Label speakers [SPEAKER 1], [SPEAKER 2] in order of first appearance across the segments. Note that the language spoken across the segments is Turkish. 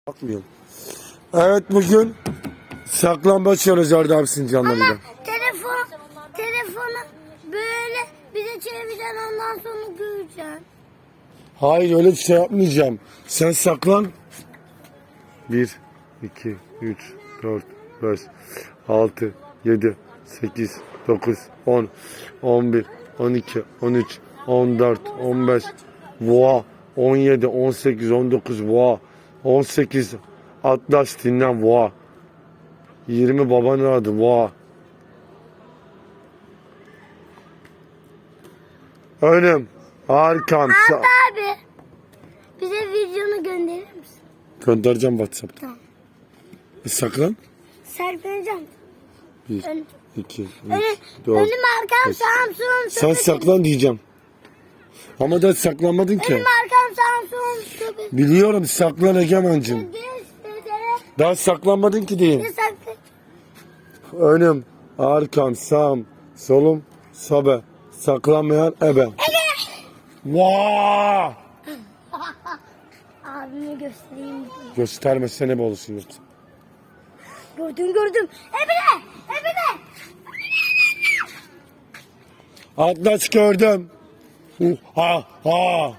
[SPEAKER 1] Bakmıyorum. Evet, bugün saklambaç olacak abi Sincanlar'da.
[SPEAKER 2] Ama telefonu böyle bize çevireceksin, ondan sonra göreceksin.
[SPEAKER 1] Hayır, öyle bir şey yapmayacağım. Sen saklan. 1, 2, 3, 4, 5, 6, 7, 8, 9, 10, 11, 12, 13, 14, 15, voa, 17, 18, 19, voa, 18, Atlas dinlen, voa, 20 babanın adı, voa. Önüm, arkam,
[SPEAKER 2] Hatta abi bize videonu gönderir misin?
[SPEAKER 1] göndereceğim WhatsApp'ta.
[SPEAKER 2] Tamam.
[SPEAKER 1] Saklan.
[SPEAKER 2] Serpileceğim.
[SPEAKER 1] 1,
[SPEAKER 2] Ön-
[SPEAKER 1] 2, 3,
[SPEAKER 2] Önüm
[SPEAKER 1] 4.
[SPEAKER 2] arkam Samsun.
[SPEAKER 1] Sen saklan diyeceğim. Ama da saklamadın ki.
[SPEAKER 2] Önüm arkam Samsun.
[SPEAKER 1] Biliyorum, saklan Egemen'cim.
[SPEAKER 2] Dede.
[SPEAKER 1] Daha saklanmadın ki diyeyim.
[SPEAKER 2] Ne saklı?
[SPEAKER 1] Önüm, arkam, sağım, solum, sobe. Saklanmayan ebe. Vaa!
[SPEAKER 2] Abime göstereyim.
[SPEAKER 1] Göstermezse ne olursun yoksa.
[SPEAKER 2] Gördüm. Ebile.
[SPEAKER 1] Atlas gördüm. Ha ha.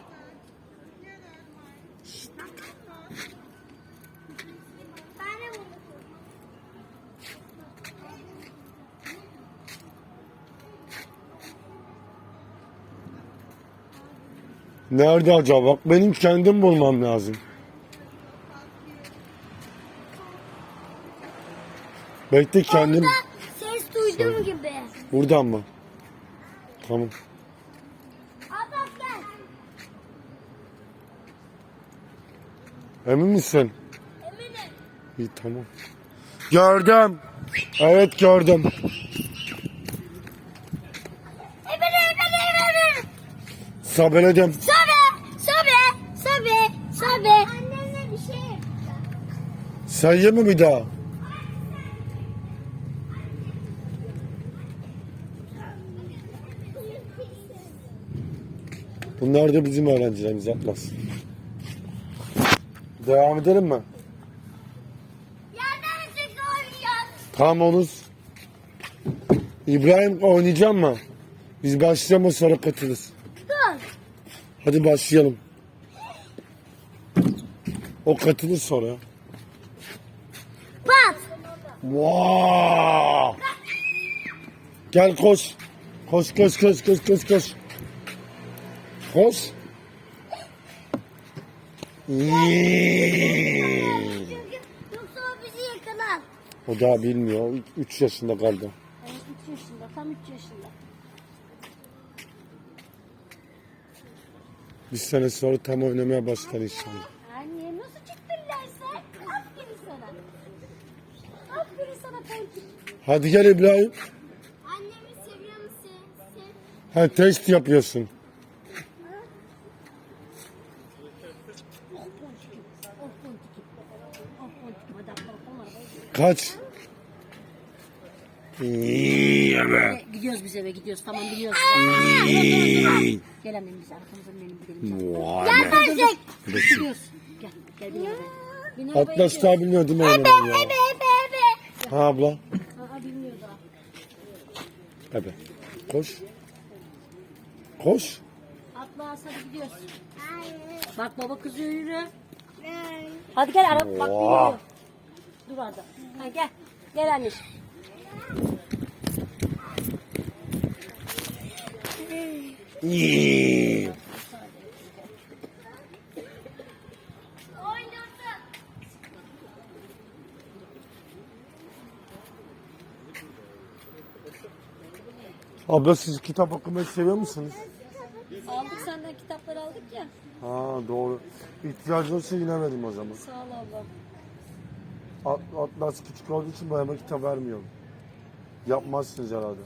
[SPEAKER 1] Nerede acaba? Bak, benim kendim bulmam lazım. Bekle, kendim.
[SPEAKER 2] Ses duydum gibi.
[SPEAKER 1] Buradan mı? Tamam.
[SPEAKER 2] Abbas gel.
[SPEAKER 1] Emin misin?
[SPEAKER 2] Eminim.
[SPEAKER 1] İyi, tamam. Gördüm. Evet, gördüm.
[SPEAKER 2] Ebile.
[SPEAKER 1] Sabeledim.
[SPEAKER 2] Sobe. Annemle bir şey.
[SPEAKER 1] Sayı mı bir daha? Bunlar da bizim öğrencilerimiz, Atlas. Devam edelim mi?
[SPEAKER 2] Yerden çıktı oynayacağız.
[SPEAKER 1] Tamam, olur. İbrahim, oynayacak mı? Biz başlayalım, sonra katılırız.
[SPEAKER 2] Dur.
[SPEAKER 1] Hadi başlayalım. O katılır sonra.
[SPEAKER 2] Pat.
[SPEAKER 1] Vaa! Gel, koş. Koş. Koş.
[SPEAKER 2] Çünkü yoksa o bizi yakalar.
[SPEAKER 1] O daha bilmiyor. 3 yaşında kaldı.
[SPEAKER 2] Evet, 3 yaşında. Tam 3 yaşında.
[SPEAKER 1] Bir sene sonra tam oynamaya başlar inşallah.
[SPEAKER 2] Anne nasıl çıktın derse? Aferin sana Ponçik.
[SPEAKER 1] Hadi gel İbrahim.
[SPEAKER 2] Annemi seviyor musun?
[SPEAKER 1] Ha, test yapıyorsun. Kaç?
[SPEAKER 3] Gidiyoruz biz eve gidiyoruz. Tamam biliyoruz. Gel annem biz arkamızdan gidelim.
[SPEAKER 2] Gelmeyecek.
[SPEAKER 3] Gidiyoruz. Gel bin arabaya. Bin arabaya
[SPEAKER 1] Atlas
[SPEAKER 3] gidiyoruz.
[SPEAKER 1] daha bilmiyor değil mi oynamayı ya?
[SPEAKER 2] Ebe.
[SPEAKER 1] Ha abla.
[SPEAKER 3] Aa bilmiyor daha.
[SPEAKER 1] Evet. Koş. Koş.
[SPEAKER 3] Atlas hadi gidiyoruz. Bak baba kızıyor yürü. Hadi gel araba bak
[SPEAKER 1] Oha.
[SPEAKER 3] yürü. Dur orada. Ha, gel. Gel anneciğim.
[SPEAKER 1] İyi. Abla, siz kitap okumayı seviyor musunuz?
[SPEAKER 3] Aldık senden kitapları aldık ya.
[SPEAKER 1] Ha, doğru. İhtiyacı olsa yine vereyim o zaman.
[SPEAKER 3] Sağ ol ablam.
[SPEAKER 1] Atlas küçük olduğu için boyama kitap vermiyorum. Yapmazsınız herhalde.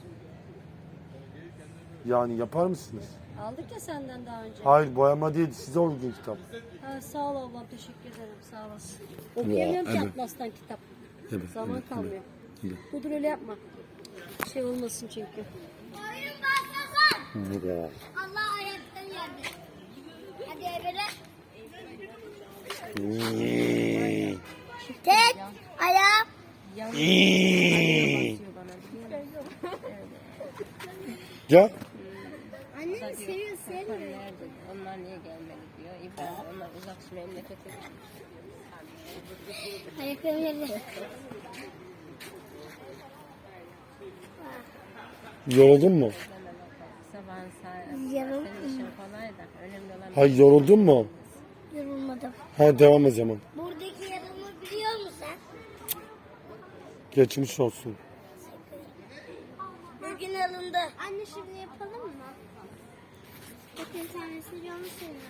[SPEAKER 1] Yani yapar mısınız?
[SPEAKER 3] Aldık ya senden daha önce.
[SPEAKER 1] Hayır, boyama değil, size uygun kitap.
[SPEAKER 3] Ha, sağ ol ablam teşekkür ederim sağ olasın. Okuyamıyorum ki
[SPEAKER 1] evet.
[SPEAKER 3] Atlas'tan kitap.
[SPEAKER 1] Evet,
[SPEAKER 3] Zaman
[SPEAKER 1] evet,
[SPEAKER 3] kalmıyor.
[SPEAKER 1] evet.
[SPEAKER 3] Dur öyle yapma. Şey olmasın çünkü.
[SPEAKER 2] Oyun başlasın. Allah ayaktan yerde. Hadi Ebele.
[SPEAKER 3] Yalnız basıyor bana.
[SPEAKER 1] Gel.
[SPEAKER 2] Annem seviyor seviyor.
[SPEAKER 3] Nerede? Onlar niye gelmedi diyor. İbrahim onlar uzak şu memlekete.
[SPEAKER 2] Ayakkabıları.
[SPEAKER 1] Yoruldun mu?
[SPEAKER 3] Sabahın saat.
[SPEAKER 2] Yarın
[SPEAKER 3] Senin işin kolay da. Önemli olan
[SPEAKER 1] Hayır, yoruldun mu?
[SPEAKER 2] yorulmadım.
[SPEAKER 1] Ha, devam o zaman.
[SPEAKER 2] Buradaki yarımı biliyor musun sen?
[SPEAKER 1] Geçmiş olsun.
[SPEAKER 2] Bugün alındı. Anne şimdi yapalım mı? Bakın tanesi canı seviyor.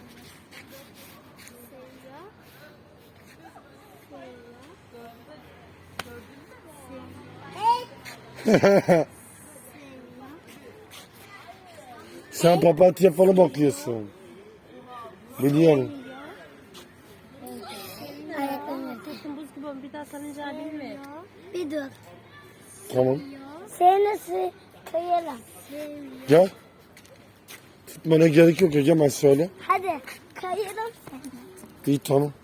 [SPEAKER 1] Sen papatya falan bakıyorsun. Biliyorum.
[SPEAKER 2] Ayakkabıları.
[SPEAKER 3] buz gibi bir daha sarıncağı bilme.
[SPEAKER 2] Bir dur.
[SPEAKER 1] Tamam.
[SPEAKER 2] Seni nasıl kıyalım?
[SPEAKER 1] Gel. Tutmana gerek yok Egemen, söyle.
[SPEAKER 2] Hadi kayalım seni.
[SPEAKER 1] İyi, tamam.